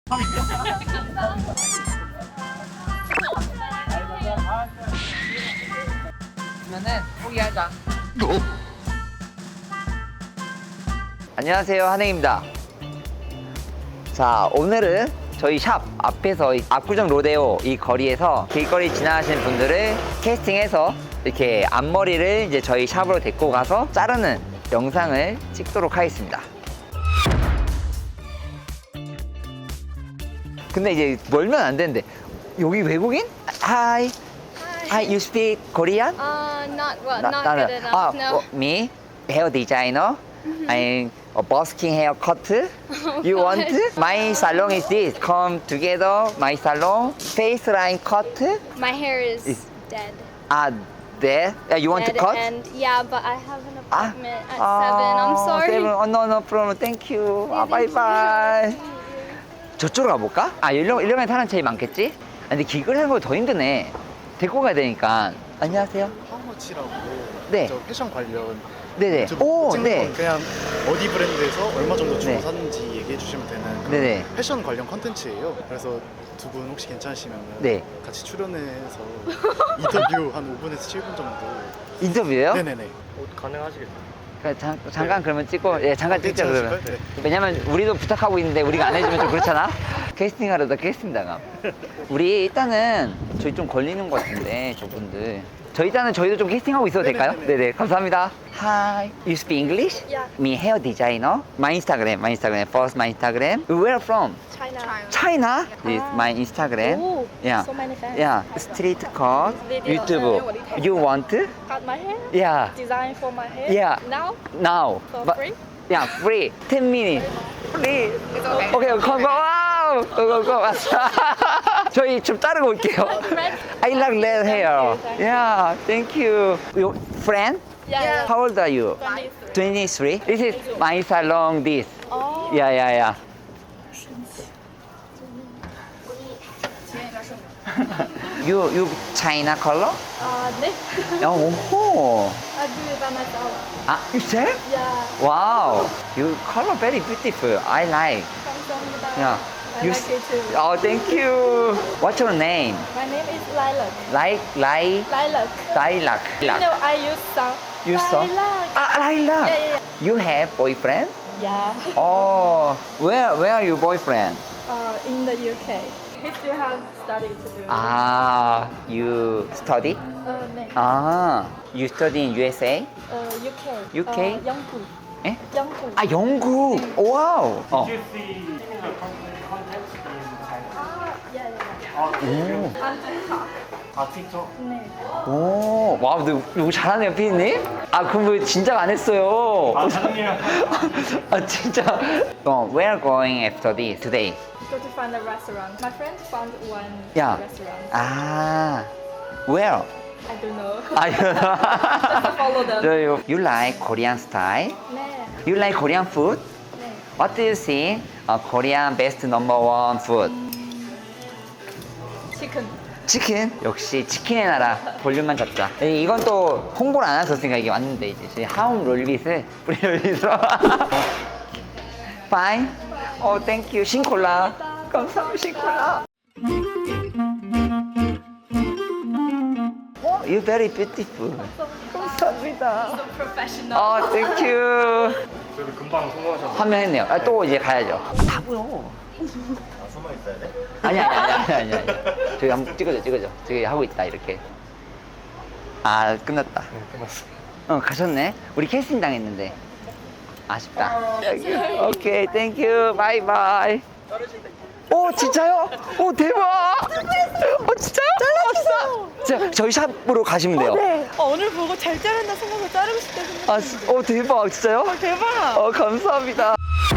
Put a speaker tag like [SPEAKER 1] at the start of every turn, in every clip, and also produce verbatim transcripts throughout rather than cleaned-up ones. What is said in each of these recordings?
[SPEAKER 1] 그러면은 포기하자.
[SPEAKER 2] 안녕하세요, 한행입니다. 자, 오늘은 저희 샵 앞에서 이 압구정 로데오 이 거리에서 길거리 지나가시는 분들을 캐스팅해서 이렇게 앞머리를 이제 저희 샵으로 데리고 가서 자르는 영상을 찍도록 하겠습니다. 근데 이제 멀면 안 되는데 여기 외국인? Hi, Hi, you speak Korean?
[SPEAKER 3] Uh, not well,
[SPEAKER 2] 나-
[SPEAKER 3] not
[SPEAKER 2] 나는-
[SPEAKER 3] good enough.
[SPEAKER 2] 아,
[SPEAKER 3] no.
[SPEAKER 2] 어, me, hair designer. I'm a busking haircut. You want? My salon is this. Come together, my salon. Face line cut.
[SPEAKER 3] My hair is
[SPEAKER 2] Is-
[SPEAKER 3] dead.
[SPEAKER 2] Ah, there. Yeah, you want
[SPEAKER 3] dead
[SPEAKER 2] to cut?
[SPEAKER 3] And yeah, but I have an
[SPEAKER 2] Ah,
[SPEAKER 3] appointment at seven. I'm sorry.
[SPEAKER 2] Seven. Oh, no, no problem. Thank you. 아,
[SPEAKER 3] thank
[SPEAKER 2] bye bye. 저쪽으로 가볼까? 아, 이러, 이러면 사람 제일 많겠지? 아, 근데 길거리 하는 거 더 힘드네. 데리고 가야 되니까. 안녕하세요.
[SPEAKER 4] 하우머치라고
[SPEAKER 2] 네.
[SPEAKER 4] 저 패션 관련
[SPEAKER 2] 네네.
[SPEAKER 4] 유튜브
[SPEAKER 2] 오,
[SPEAKER 4] 찍는
[SPEAKER 2] 네.
[SPEAKER 4] 건 그냥 어디 브랜드에서 얼마 정도 주고
[SPEAKER 2] 네.
[SPEAKER 4] 샀는지 얘기해 주시면 되는 그런
[SPEAKER 2] 네네.
[SPEAKER 4] 패션 관련 컨텐츠예요. 그래서 두 분 혹시 괜찮으시면
[SPEAKER 2] 네.
[SPEAKER 4] 같이 출연해서 인터뷰 한 오 분에서 칠 분 정도.
[SPEAKER 2] 인터뷰예요?
[SPEAKER 4] 네네네.
[SPEAKER 2] 그러니까 잠, 잠깐 그러면 찍고, 예, 잠깐 찍자, 그러면.
[SPEAKER 4] 괜찮으실까요? 네.
[SPEAKER 2] 왜냐면 우리도 부탁하고 있는데 우리가 안 해주면 좀 그렇잖아? 캐스팅 하려다 캐스팅 당함. 우리 일단은 저희 좀 걸리는 것 같은데, 저분들. 저희 일단은 저희도 좀 캐스팅하고 있어도 될까요?
[SPEAKER 4] 네네네네.
[SPEAKER 2] 네네, 감사합니다. Hi, you speak English?
[SPEAKER 3] Yeah.
[SPEAKER 2] Me hair designer. My Instagram, my Instagram, first my Instagram. Where from?
[SPEAKER 3] China.
[SPEAKER 2] China? This is my Instagram.
[SPEAKER 3] Oh,
[SPEAKER 2] Yeah.
[SPEAKER 3] so many fans.
[SPEAKER 2] Yeah, street cut,
[SPEAKER 3] Video.
[SPEAKER 2] YouTube. You want?
[SPEAKER 3] Cut my hair.
[SPEAKER 2] Yeah,
[SPEAKER 3] Design for my hair.
[SPEAKER 2] Yeah.
[SPEAKER 3] Now
[SPEAKER 2] now.
[SPEAKER 3] for
[SPEAKER 2] But-
[SPEAKER 3] free.
[SPEAKER 2] Yeah, free. ten minutes. Free. 오케이, go, go, 와우! go, go, go. 저희 좀 자르고 올게요.
[SPEAKER 3] Red.
[SPEAKER 2] I like red hair.
[SPEAKER 3] you, thank you.
[SPEAKER 2] Yeah, thank you. Your friend?
[SPEAKER 3] Yeah.
[SPEAKER 2] How old are you?
[SPEAKER 3] twenty-three.
[SPEAKER 2] twenty-three. This is my salon, this.
[SPEAKER 3] Oh.
[SPEAKER 2] Yeah, yeah, yeah. you, you China color?
[SPEAKER 3] Uh, 네.
[SPEAKER 2] Oh,
[SPEAKER 3] I do it by myself.
[SPEAKER 2] ah, you say?
[SPEAKER 3] Yeah.
[SPEAKER 2] Wow, you color very beautiful. I like.
[SPEAKER 3] 감사합니다.
[SPEAKER 2] Yeah.
[SPEAKER 3] I
[SPEAKER 2] You
[SPEAKER 3] like
[SPEAKER 2] s-
[SPEAKER 3] it too.
[SPEAKER 2] Oh, thank you. What's your name?
[SPEAKER 3] My name is Lilac.
[SPEAKER 2] Like, like,
[SPEAKER 3] Lilac.
[SPEAKER 2] lilac.
[SPEAKER 3] You know, I use some.
[SPEAKER 2] You saw?
[SPEAKER 3] Lilac.
[SPEAKER 2] Ah, lilac.
[SPEAKER 3] Yeah, yeah,
[SPEAKER 2] You have boyfriend?
[SPEAKER 3] yeah.
[SPEAKER 2] Oh, where, where are your boyfriend?
[SPEAKER 3] Uh, in the U K. He still has study to do.
[SPEAKER 2] Ah, you study?
[SPEAKER 3] Uh, 네.
[SPEAKER 2] Ah, you study in U S A?
[SPEAKER 3] Uh, U K.
[SPEAKER 2] U K?
[SPEAKER 3] Uh, 영국.
[SPEAKER 2] 예?
[SPEAKER 3] 영국.
[SPEAKER 2] 아, 영국. 와우. 어.
[SPEAKER 3] Ah, yeah, yeah, yeah.
[SPEAKER 2] 오.
[SPEAKER 3] 안 좋다. 네.
[SPEAKER 2] 오, 와우, 너 이거 잘하네요, 피디님? 아, 그럼 왜 진작 안 했어요? 아, 아니요. 아, 진짜. 어, where going after this today?
[SPEAKER 3] Go to find a restaurant. My friend found one
[SPEAKER 2] Yeah.
[SPEAKER 3] restaurant.
[SPEAKER 2] 아, where?
[SPEAKER 3] I don't know.
[SPEAKER 2] 아,
[SPEAKER 3] Just follow them.
[SPEAKER 2] Do you, you like Korean style?
[SPEAKER 3] 네.
[SPEAKER 2] You like Korean food?
[SPEAKER 3] 네.
[SPEAKER 2] What do you think? Uh, Korean best number one food?
[SPEAKER 3] 치킨.
[SPEAKER 2] 치킨? 역시 치킨의 나라. 볼륨만 잡자. 이- 이건 또 홍보를 안 하셨으니까 이게 왔는데 이제 저희 하움 롤빗을 우리 롤빗으로. Fine. 어, thank you. 신콜라. 감사합니다. 신콜라. 어, you very beautiful. 감사합니다.
[SPEAKER 3] So professional.
[SPEAKER 2] 어, thank you. 그래도 금방 성공하셨네. 화면했네요. 아, 또 이제 가야죠. 다 보여.
[SPEAKER 4] 아, 숨어 있어야 돼?
[SPEAKER 2] 아니 아니 아니 아니 아니, 아니. 저기 한번 찍어줘 찍어줘. 저기 하고 있다 이렇게. 아, 끝났다.
[SPEAKER 4] 네, 끝났어.
[SPEAKER 2] 어, 가셨네. 우리 캐스팅 당했는데 아쉽다. 오케이, 땡큐. 바이바이. 오, 진짜요? 오, 대박. 어, 진짜요? 잘랐어. 자, 저희 샵으로 가시면 돼요.
[SPEAKER 5] 네. 어, 오늘 보고 잘 자른다 생각하고 자르고 싶다 생각.
[SPEAKER 2] 아, 지- 오, 대박. 진짜요?
[SPEAKER 5] 대박.
[SPEAKER 2] 어, 감사합니다.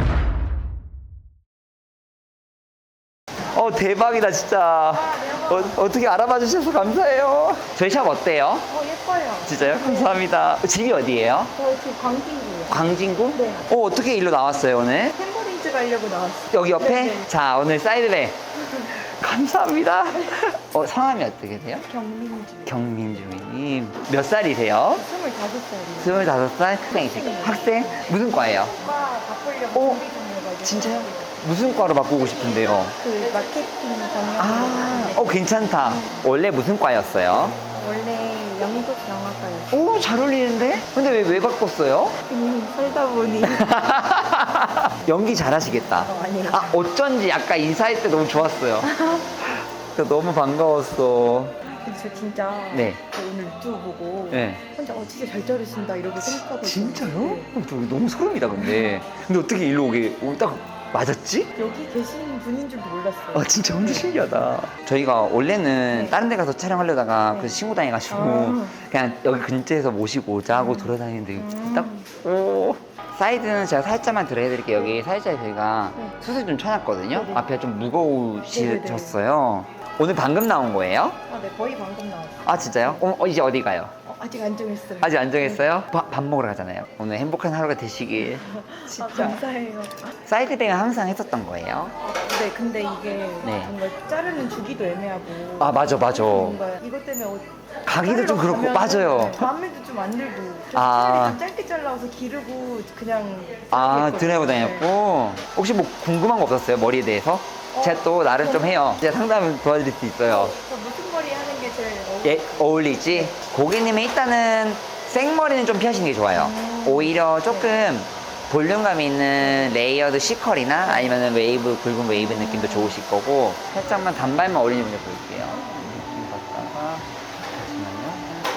[SPEAKER 2] 어, 대박이다, 진짜. 어, 어떻게 알아봐 주셔서 감사해요. 저희 샵 어때요?
[SPEAKER 5] 어, 예뻐요.
[SPEAKER 2] 진짜요? 감사합니다. 집이 어디예요?
[SPEAKER 5] 저 지금 광진구요.
[SPEAKER 2] 광진구?
[SPEAKER 5] 네.
[SPEAKER 2] 어, 어떻게 일로 나왔어요, 오늘?
[SPEAKER 5] 템버리즈 가려고 나왔어요.
[SPEAKER 2] 여기 옆에?
[SPEAKER 5] 네, 네.
[SPEAKER 2] 자, 오늘 사이드백. 감사합니다. 어, 성함이 어떻게 되세요?
[SPEAKER 5] 경민주.
[SPEAKER 2] 경민주님. 몇 살이세요?
[SPEAKER 5] 스물다섯 살이에요.
[SPEAKER 2] 스물다섯 살? 학생이세요? 학생? 무슨 과예요?
[SPEAKER 5] 과 바꾸려고
[SPEAKER 2] 오,
[SPEAKER 5] 준비 중이어가지고.
[SPEAKER 2] 진짜요? 무슨 과로 바꾸고 싶은데요?
[SPEAKER 5] 그 마케팅 경영.
[SPEAKER 2] 아, 어 괜찮다. 원래 무슨 과였어요?
[SPEAKER 5] 원래 영국 영화과였어요.
[SPEAKER 2] 오, 잘 어울리는데? 근데 왜, 왜 바꿨어요?
[SPEAKER 5] 그냥 살다 보니.
[SPEAKER 2] 연기 잘하시겠다.
[SPEAKER 5] 어, 아니에요.
[SPEAKER 2] 아, 어쩐지 아까 인사할 때 너무 좋았어요. 저 너무 반가웠어.
[SPEAKER 5] 근데 저 진짜
[SPEAKER 2] 네.
[SPEAKER 5] 저 오늘 유튜브 보고
[SPEAKER 2] 네.
[SPEAKER 5] 혼자 어 진짜 잘 자르신다 이러고 생각하고
[SPEAKER 2] 진짜요?
[SPEAKER 5] 있었는데
[SPEAKER 2] 어, 저 너무 소름이다, 근데. 근데 어떻게 일로 오게, 오, 딱 맞았지?
[SPEAKER 5] 여기 계신 분인 줄도 몰랐어요.
[SPEAKER 2] 아, 진짜 완전 신기하다. 저희가 원래는
[SPEAKER 5] 네.
[SPEAKER 2] 다른 데 가서 촬영하려다가
[SPEAKER 5] 네.
[SPEAKER 2] 그 친구 다녀가지고
[SPEAKER 5] 아.
[SPEAKER 2] 그냥 여기 근처에서 모시고 오자 하고 돌아다니는데
[SPEAKER 5] 음.
[SPEAKER 2] 딱, 오. 사이드는 제가 살짝만 들어해드릴게요. 여기 살짝 저희가
[SPEAKER 5] 네.
[SPEAKER 2] 숯을 좀 쳐놨거든요.
[SPEAKER 5] 네네.
[SPEAKER 2] 앞에 좀 무거우셨어요.
[SPEAKER 5] 네네네.
[SPEAKER 2] 오늘 방금 나온 거예요?
[SPEAKER 5] 아, 네 거의 방금 나왔어요.
[SPEAKER 2] 아, 진짜요? 어, 어, 이제 어디 가요?
[SPEAKER 5] 어, 아직 안 정했어요.
[SPEAKER 2] 아직 안 정했어요? 바- 밥 먹으러 가잖아요. 오늘 행복한 하루가 되시길.
[SPEAKER 5] 아, 감사해요.
[SPEAKER 2] 사이드백은 항상 했었던 거예요?
[SPEAKER 5] 네, 근데 이게
[SPEAKER 2] 네.
[SPEAKER 5] 뭔가 자르는 주기도 애매하고.
[SPEAKER 2] 아, 맞아, 맞아.
[SPEAKER 5] 뭔가 이것 때문에 어,
[SPEAKER 2] 가기도 좀
[SPEAKER 5] 자르러
[SPEAKER 2] 그렇고,
[SPEAKER 5] 가면은
[SPEAKER 2] 맞아요.
[SPEAKER 5] 마음에도 좀 안 들고. 좀
[SPEAKER 2] 아.
[SPEAKER 5] 좀 짧게 잘라서 기르고 그냥.
[SPEAKER 2] 아,
[SPEAKER 5] 자르겠거든요.
[SPEAKER 2] 드라이브 다녔고. 혹시 뭐 궁금한 거 없었어요? 머리에 대해서?
[SPEAKER 5] 어,
[SPEAKER 2] 제가 또 나름 좀 해요. 제가 상담 도와드릴 수 있어요.
[SPEAKER 5] 저 무슨 머리 하는 게 제일 어,
[SPEAKER 2] 예, 어울리지? 고객님이 일단은 생머리는 좀 피하시는 게 좋아요.
[SPEAKER 5] 음.
[SPEAKER 2] 오히려 조금 볼륨감 있는 레이어드 C컬이나 아니면 웨이브, 굵은 웨이브 느낌도 좋으실 거고, 살짝만 단발만 어울리는 분들 볼게요. 느낌 갖다가, 잠시만요.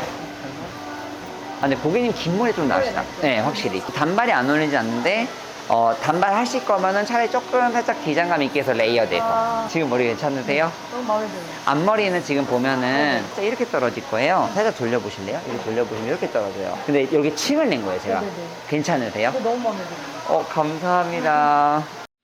[SPEAKER 2] 아, 근데 고객님 긴 머리 좀 나으시다. 네, 확실히. 단발이 안 어울리지 않는데, 어, 단발 하실 거면은 차라리 조금 살짝 기장감 있게 해서 레이어드해서.
[SPEAKER 5] 아.
[SPEAKER 2] 지금 머리 괜찮으세요?
[SPEAKER 5] 너무 마음에 들어요.
[SPEAKER 2] 앞머리는 지금 보면은 살짝 이렇게 떨어질 거예요. 살짝 돌려보실래요? 이렇게 돌려보시면 이렇게 떨어져요. 근데 여기 층을 낸 거예요, 제가.
[SPEAKER 5] 네네네.
[SPEAKER 2] 괜찮으세요?
[SPEAKER 5] 그거 너무 마음에 들어요.
[SPEAKER 2] 어, 감사합니다.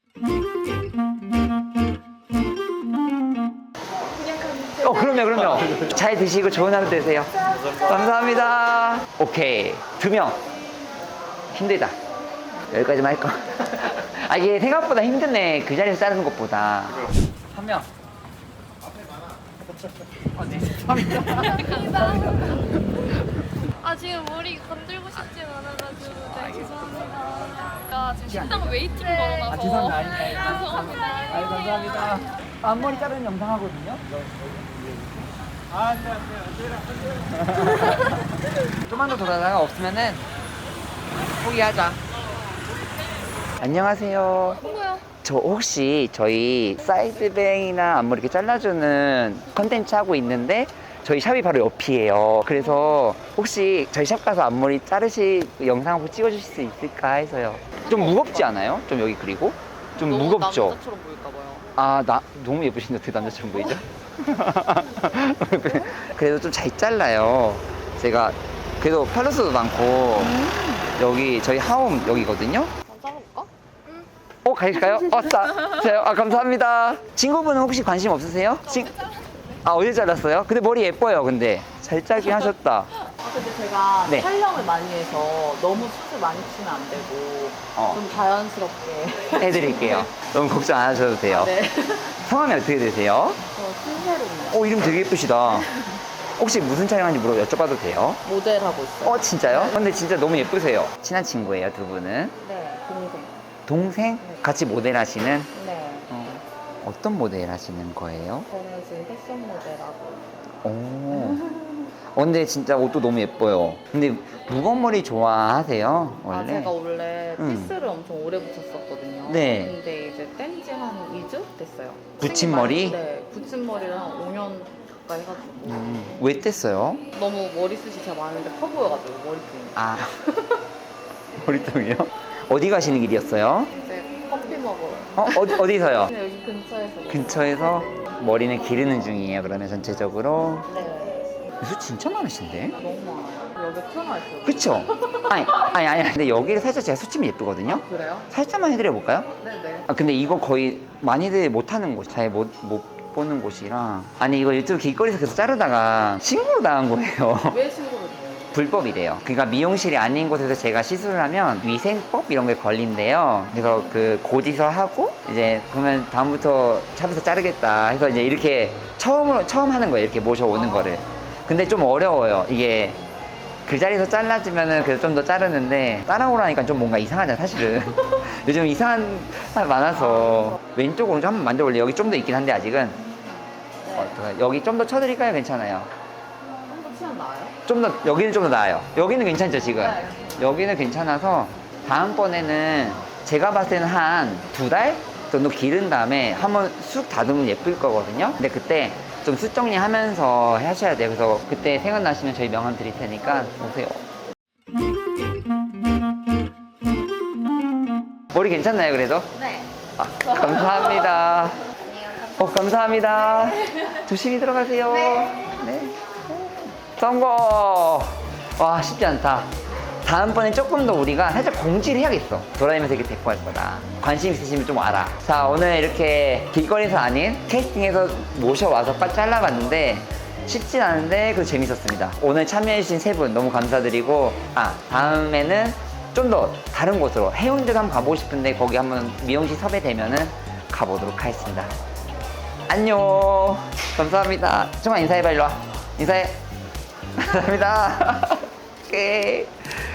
[SPEAKER 2] 어, 그럼요, 그럼요. 잘 드시고 좋은 하루 되세요. 감사합니다. 오케이. 두 명. 힘들다. 여기까지만 할 거. 아, 이게 생각보다 힘드네. 그 자리에서 자르는 것보다. 한 명.
[SPEAKER 3] 아 지금 머리 건들고 싶진 않아가지고 네 죄송합니다. 야 지금 식당 웨이팅 걸어놔서.
[SPEAKER 2] 아, 죄송합니다. 아니, 아니,
[SPEAKER 3] 죄송합니다.
[SPEAKER 2] 아유, 감사합니다. 앞머리 자르는 영상 하거든요. 아, 네, 네. 좀만 더 돌아다가 없으면은 포기하자. 안녕하세요.
[SPEAKER 3] 뭐야?
[SPEAKER 2] 저 혹시 저희 사이드뱅이나 앞머리 이렇게 잘라주는 컨텐츠 하고 있는데 저희 샵이 바로 옆이에요. 그래서 혹시 저희 샵 가서 앞머리 자르실 영상 한번 찍어주실 수 있을까 해서요. 좀 무겁지 않아요? 좀 여기 그리고 좀
[SPEAKER 1] 너무
[SPEAKER 2] 무겁죠?
[SPEAKER 1] 남자처럼 보일까봐요.
[SPEAKER 2] 아, 나 너무 예쁘신데 어떻게 남자처럼 보이죠? 그래도 좀 잘 잘라요. 제가 그래도 팔로스도 많고 여기 저희 하움 여기거든요.
[SPEAKER 1] 한번 잘라볼까?
[SPEAKER 2] 어, 가실까요? 어, 싸, 저요? 아, 감사합니다. 친구분은 혹시 관심 없으세요? 친... 아, 어디 잘랐어요? 근데 머리 예뻐요, 근데. 잘 짜긴 하셨다.
[SPEAKER 1] 아, 근데 제가
[SPEAKER 2] 네.
[SPEAKER 1] 촬영을 많이 해서 너무 숱을 많이 치면 안 되고
[SPEAKER 2] 어.
[SPEAKER 1] 좀 자연스럽게
[SPEAKER 2] 해드릴게요. 너무 걱정 안 하셔도 돼요.
[SPEAKER 1] 네.
[SPEAKER 2] 성함이 어떻게 되세요?
[SPEAKER 1] 저 신세로입니다.
[SPEAKER 2] 어, 이름 되게 예쁘시다. 혹시 무슨 촬영하는지 물어 여쭤봐도 돼요?
[SPEAKER 1] 모델 하고 있어요.
[SPEAKER 2] 어, 진짜요? 근데 진짜 너무 예쁘세요. 친한 친구예요, 두 분은.
[SPEAKER 1] 네, 동생.
[SPEAKER 2] 동생? 같이 모델 하시는?
[SPEAKER 1] 네.
[SPEAKER 2] 어, 어떤 모델 하시는 거예요?
[SPEAKER 1] 저는 지금 패션 모델하고.
[SPEAKER 2] 오. 어, 근데 진짜 옷도 너무 예뻐요. 근데 무거운 머리 좋아하세요? 원래?
[SPEAKER 1] 아, 제가 원래
[SPEAKER 2] 음.
[SPEAKER 1] 피스를 엄청 오래 붙였었거든요.
[SPEAKER 2] 네.
[SPEAKER 1] 근데 이제 뗀 지 한 이 주 됐어요.
[SPEAKER 2] 붙인 머리?
[SPEAKER 1] 네, 붙인 머리를 한 오 년 가까이 해가지고.
[SPEAKER 2] 음, 왜 뗐어요?
[SPEAKER 1] 너무 머리숱이 제가 많은데 커 보여가지고 머리통이.
[SPEAKER 2] 아. 머리통이요? 어디 가시는 길이었어요?
[SPEAKER 1] 이제 커피 먹으러.
[SPEAKER 2] 어, 어디, 어디서요?
[SPEAKER 1] 그냥 여기 근처에서.
[SPEAKER 2] 근처에서 머리는 기르는 중이에요, 그러면 전체적으로.
[SPEAKER 1] 네.
[SPEAKER 2] 수 진짜 많으신데?
[SPEAKER 1] 너무 많아요. 여기 튀어나와 있어요.
[SPEAKER 2] 그쵸? 아니, 아니, 아니. 근데 여기를 살짝 제가 수침이 예쁘거든요?
[SPEAKER 1] 그래요?
[SPEAKER 2] 살짝만 해드려볼까요?
[SPEAKER 1] 네네.
[SPEAKER 2] 아, 근데 이거 거의 많이들 못하는 곳, 잘 못, 못 보는 곳이라. 아니, 이거 유튜브 길거리에서 계속 자르다가 신고로 당한 거예요.
[SPEAKER 1] 왜 신고를 해요?
[SPEAKER 2] 불법이래요. 그러니까 미용실이 아닌 곳에서 제가 시술을 하면 위생법 이런 게 걸린대요. 그래서 그 고지서 하고 이제 그러면 다음부터 샵에서 자르겠다 해서 이제 이렇게 처음으로 처음 하는 거예요. 이렇게 모셔오는 거를. 근데 좀 어려워요. 이게 그 자리에서 잘라주면은 그래도 좀 더 자르는데 따라오라니까 좀 뭔가 이상하잖아 사실은. 요즘 이상한 사람 많아서 왼쪽 오른쪽 한번 만져볼래? 여기 좀 더 있긴 한데 아직은. 어떡해. 여기 좀 더 쳐드릴까요? 괜찮아요?
[SPEAKER 1] 좀 더 치면 나아요?
[SPEAKER 2] 좀 더 여기는 좀 더 나아요. 여기는 괜찮죠 지금? 여기는 괜찮아서 다음번에는 제가 봤을 때는 한 두 달 정도 기른 다음에 한번 쑥 다듬으면 예쁠 거거든요. 근데 그때 좀 숱 정리하면서 하셔야 돼요. 그래서 그때 생각나시면 저희 명함 드릴 테니까 오세요. 머리 괜찮나요 그래도?
[SPEAKER 3] 네.
[SPEAKER 2] 아, 감사합니다. 어, 감사합니다. 조심히 들어가세요. 네. 성공! 와, 쉽지 않다. 다음번엔 조금 더 우리가 살짝 공지를 해야겠어. 돌아다니면서 이렇게 데리고 갈 거다. 관심 있으시면 좀 와라. 자, 오늘 이렇게 길거리에서 아닌 캐스팅에서 모셔와서 빡 잘라봤는데 쉽진 않은데 그래도 재밌었습니다. 오늘 참여해주신 세 분 너무 감사드리고, 아, 다음에는 좀 더 다른 곳으로 해운대도 한번 가보고 싶은데 거기 한번 미용실 섭외되면은 가보도록 하겠습니다. 안녕. 감사합니다. 정말 인사해봐, 일로 와. 인사해. 감사합니다. 오케이.